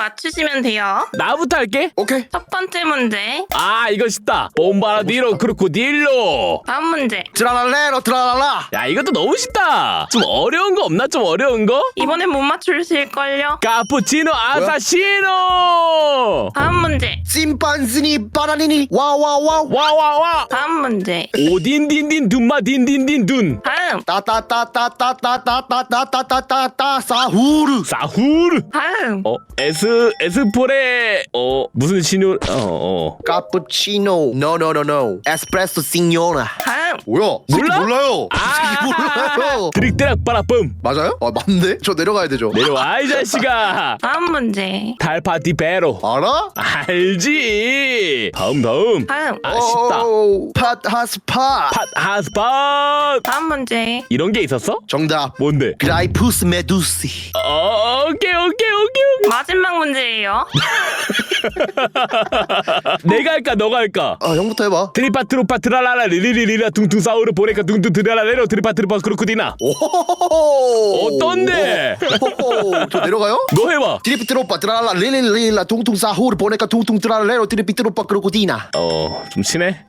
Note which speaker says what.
Speaker 1: 맞추시면 돼요.
Speaker 2: 나부터 할게.
Speaker 3: 오케이.
Speaker 1: 첫 번째 문제.
Speaker 2: 아 이거 쉽다. 봄바라디로 크로코딜로.
Speaker 1: 다음 문제.
Speaker 3: 트라랄레로 트라랄라.
Speaker 2: 야 이것도 너무 쉽다. 좀 어려운 거 없나? 좀 어려운 거?
Speaker 1: 이번엔 못 맞추실걸요?
Speaker 2: 카푸치노 아사시노.
Speaker 1: 다음 문제.
Speaker 3: 심판스니 바나니니 와와와.
Speaker 2: 와와와.
Speaker 1: 다음 문제.
Speaker 2: 오딘딘딘 둔마 딘딘딘 둔.
Speaker 1: 다음.
Speaker 3: 따따따따따따따따따따따따 사후르.
Speaker 2: 사후르.
Speaker 1: 다음.
Speaker 2: 에스포레 무슨 신유
Speaker 3: 카푸치노. 노노노노. 에스프레소 시뇨나.
Speaker 1: 다음.
Speaker 3: 뭐야?
Speaker 2: 몰라?
Speaker 3: 몰라요. 몰라요.
Speaker 2: 드릭드락 빠라쁨.
Speaker 3: 맞아요? 아 맞네. 저 내려가야 되죠.
Speaker 2: 내려와 이 자식아.
Speaker 1: 다음 문제.
Speaker 2: 달파티 베로.
Speaker 3: 알아?
Speaker 2: 알지. 다음
Speaker 1: 다음.
Speaker 2: 아 쉽다.
Speaker 3: 팟하스파.
Speaker 2: 핫핫스팟.
Speaker 1: 다음 문제.
Speaker 2: 이런 게 있었어?
Speaker 3: 정답.
Speaker 2: 뭔데?
Speaker 3: 그라이푸스 메두시.
Speaker 2: 오케이.
Speaker 1: 마지막 문제예요.
Speaker 2: 내가 할까 너가 할까?
Speaker 3: 아 형부터 해봐.
Speaker 2: 트리파 트로파 트라라라 리리리리라 둥둥 사우르 보레카 둥둥 트라라레로 트리파 트리파 크로코디나.
Speaker 3: 오호호호.
Speaker 2: 어떤데?
Speaker 3: 오호호. 저 내려가요?
Speaker 2: 너 해봐.
Speaker 3: 트리피 트로빠 트라라 릴릴릴라 퉁퉁 사후르 보내까 퉁퉁 트라레로 트리피 트로빠 크로코디나.
Speaker 2: 좀 친해?